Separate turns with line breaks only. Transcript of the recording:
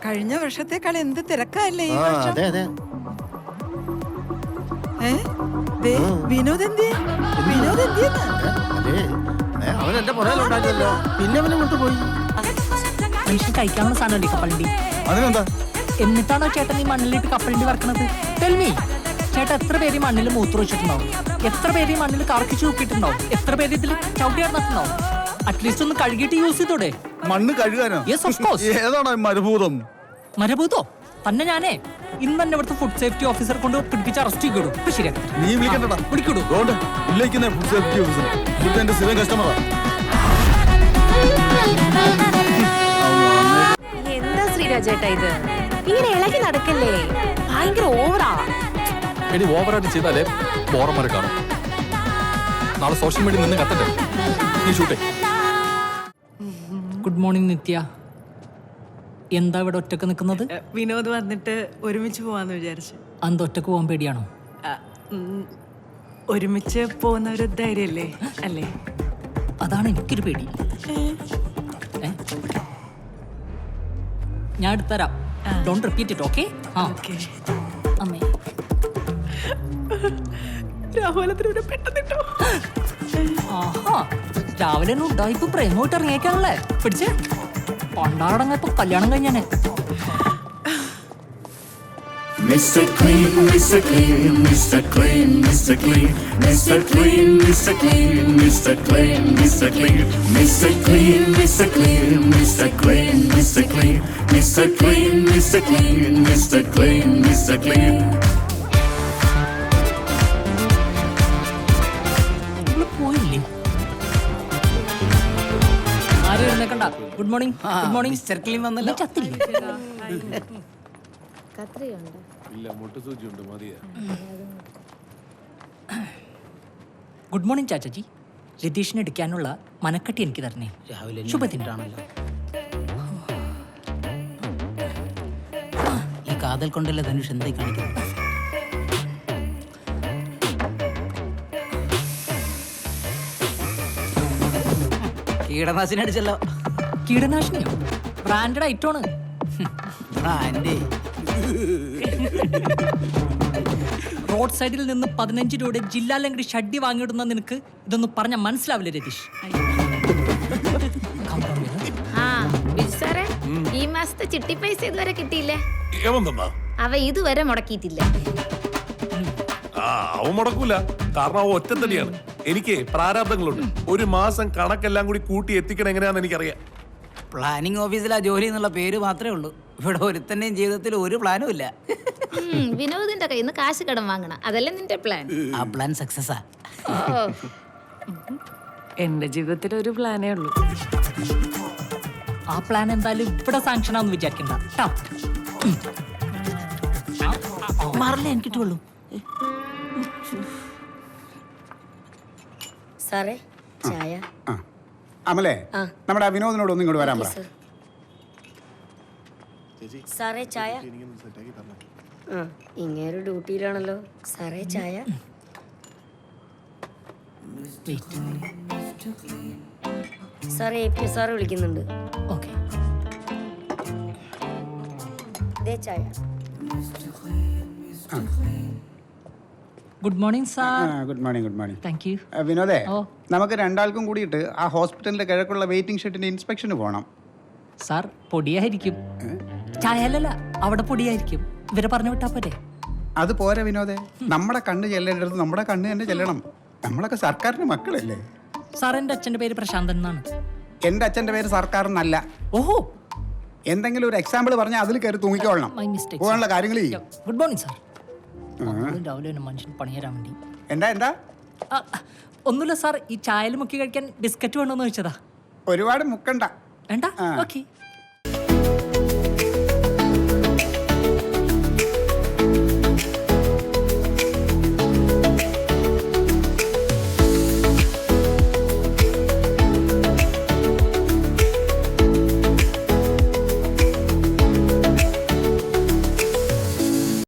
കഴിഞ്ഞ വർഷത്തേക്കാൾ എന്ത് തിരക്കല്ലേ ഈ വർഷം?
അതെ അതെ.
വിനോദ്
അവൻ എന്റെ പുറകിലുണ്ടായിരുന്നല്ലോ, പിന്നെ അവനെ കൊണ്ടുപോയി.
മനുഷ്യൻ കഴിക്കാനുള്ള സാധനമല്ലേ കപ്പലണ്ടി?
അതിനെന്താ?
എന്നിട്ടാണോ ചേട്ടൻ ഈ മണ്ണിലിട്ട് കപ്പലണ്ടി വറക്കണത്? ടെൽമി, ചേട്ടൻ എത്ര പേര് ഈ മണ്ണിൽ മൂത്ര വെച്ചിട്ടുണ്ടാവും? എത്ര പേര് ഈ മണ്ണിൽ കറക്കിച്ച് നോക്കിയിട്ടുണ്ടാവും? എത്ര പേര് ഇതിൽ ചവിട്ടി നടന്നിട്ടുണ്ടാവും? അറ്റ്ലീസ്റ്റ് ഒന്ന് കഴുകിയിട്ട് യൂസ് ചെയ്തോടെ?
മണ്ണ് കഴുകാനോ?
Yes of course.
ഏതാണ് മരുഭൂതം?
മരഭൂതോ തന്നെ? ഞാനേ ഇന്ന് തന്നെ ഇവിടുത്തെ ഫുഡ് സേഫ്റ്റി ഓഫീസർ കൊണ്ട് പിടിപ്പിച്ച് അറസ്റ്റ് ചെയ്യിടും. ശരിയാ,
നീ വിളിക്കണ്ടടാ,
വിളിക്കൂടൂ.
ഫുഡ് സേഫ്റ്റി ഓഫീസർ എന്റെ സ്ഥിരം കസ്റ്റമറാ.
എന്താ ശ്രീരാജേട്ടാ ഇത്? ഇങ്ങനെ ഇളകി നടക്കല്ലേ, ഭയങ്കര ഓവറാ.
ഇനി ഓവറായിട്ട് ചെയ്താലേ പോറന്മാരെ കാണും. നാളെ സോഷ്യൽ മീഡിയ നിന്ന് കത്തട്ടെ. നീ ഷൂട്ടേ.
ഗുഡ് മോർണിംഗ് നിത്യ. എന്താ ഇവിടെ ഒറ്റക്ക് നിൽക്കുന്നത്?
വിനോദ് വന്നിട്ട് ഒരുമിച്ച് പോവാന്ന് വിചാരിച്ചു.
അന്ത് ഒറ്റക്ക് പോകാൻ പേടിയാണോ?
ഒരുമിച്ച് പോകുന്ന ഒരു ധൈര്യല്ലേ അല്ലേ?
അതാണ് എനിക്കൊരു പേടി. ഞാൻ എടുത്തരാം. Don't repeat it, okay? അമ്മേ, രാവിലെ ഉണ്ടായിപ്പോ പ്രേമോട്ട് ഇറങ്ങിയേക്കാണല്ലേ? പിടിച്ചേ പണ്ടാടങ്ങപ്പോ കല്യാണം കഴിഞ്ഞാണ്.
Mr. Clean, Mr. Clean, Mr. Clean, Mr. Clean, Mr. Clean, Mr. Clean, Mr. Clean, Mr. Clean, Mr. Clean, Mr. Clean, Mr. Clean, Mr. Clean, Mr. Clean, Mr. Clean, Mr. Clean, Mr. Clean.
പോയില്ലേ? ആരും എഴുന്നേക്കണ്ട. Good morning. Good morning. Mister clean വന്നല്ലോ. ചത്തില്ലേ? Good morning Chachaji. രതീഷിനെ എടുക്കാനുള്ള മനക്കട്ടി എനിക്ക് തരണേ. ശുഭദിനാണല്ലോ.
ഈ കാതൽ കൊണ്ടല്ല ധനുഷ് എന്തായി കാണിക്കുന്നത്? കീടനാശിനി അടിച്ചല്ലോ.
കീടനാശിനിയോ? ബ്രാൻഡഡ് ഐറ്റമാണ്. റോഡ് സൈഡിൽ നിന്ന് 15 രൂപയുടെ ജില്ലാ ലംഘടി ഷഡ്ഡി വാങ്ങിയിടുന്ന നിനക്ക് ഇതൊന്നും പറഞ്ഞാൽ മനസ്സിലാവില്ല രതീഷ്.
ഈ മാസത്തെ ചിട്ടി പൈസ ഇതുവരെ കിട്ടിയില്ലേ? അവ ഇതുവരെ മുടക്കിയിട്ടില്ല.
അവൻ മുടക്കൂല, കാരണം അവ ഒറ്റത്തടിയാണ്. എനിക്ക് പ്രാരാബ്ദങ്ങളുണ്ട്. ഒരു മാസം കണക്കെല്ലാം കൂടി കൂട്ടി എത്തിക്കണം എങ്ങനെയാന്ന് എനിക്കറിയാം.
പ്ലാനിംഗ് ഓഫീസിലാ ജോലി എന്നുള്ള പേര് മാത്രമേ ഉള്ളൂ. ഇവിടെ ഒരുത്തന്റെയും ജീവിതത്തിൽ ഒരു പ്ലാനും ഇല്ല.
വിനോദിന്റെ കയ്യിൽ നിന്ന് കാശ് കടം വാങ്ങണം, അതല്ലേ നിന്റെ പ്ലാൻ?
ആ പ്ലാൻ സക്സസാ.
എന്റെ ജീവിതത്തിൽ ഒരു പ്ലാനേ ഉള്ളൂ.
ആ പ്ലാൻ എന്തായാലും ഇവിടെ സാങ്ഷൻ ആണെന്ന് വിചാരിക്കണ്ട.
മാറില്ല, എനിക്ക് കിട്ടുള്ളൂ.
സാറേ ചായ.
അമലേ, നമ്മുടെ വിനോദിനോട് ഒന്നും ഇങ്ങോട്ട് വരാൻ പറ.
സാറേ ചായ. ഇങ്ങേരു ഡ്യൂട്ടിയിലാണല്ലോ. സാറേ ചായ. സാറേ APS സാറ് വിളിക്കുന്നുണ്ട്.
ഓക്കെ.
ചായ.
Good morning sir.
Good morning. Good morning.
Thank you.
വിനോദേ, നമുക്ക് രണ്ടാൾക്കും കൂടിയിട്ട് ആ ഹോസ്പിറ്റലിന്റെ കിഴക്കുള്ള വെയിറ്റിംഗ് ഷെഡിന്റെ ഇൻസ്പെക്ഷന് പോകണം.
സാർ പൊടിയായിരിക്കും. ചായലല്ല, അവിടെ പൊടിയായിരിക്കും. ഇവരെ പറഞ്ഞു വിട്ടാ പോരെ?
അത് പോരെ വിനോദേ, നമ്മുടെ കണ്ണ് ചെല്ലേണ്ടത് നമ്മുടെ കണ്ണ് തന്നെ ചെല്ലണം. നമ്മളൊക്കെ സർക്കാരിന്റെ മക്കളല്ലേ.
സാർ, എന്റെ അച്ഛന്റെ പേര് പ്രശാന്തൻ എന്നാണ്.
എന്റെ അച്ഛന്റെ പേര് സർക്കാർ എന്നല്ല.
ഓഹോ,
എന്തെങ്കിലും ഒരു എക്സാമ്പിൾ പറഞ്ഞാൽ അതിൽ കയറി തൂങ്ങിക്കോളണം. പോകാനുള്ള കാര്യങ്ങൾ.
Good morning sir. രാവിലെ മനുഷ്യൻ പണിയരാൻ വേണ്ടി.
എന്താ
ഒന്നുമില്ല സാർ, ഈ ചായയിൽ മുക്കി കഴിക്കാൻ ബിസ്ക്കറ്റ് വേണമെന്ന് വെച്ചതാ.
ഒരുപാട് മുക്കണ്ട.
വേണ്ട, ഓക്കെ.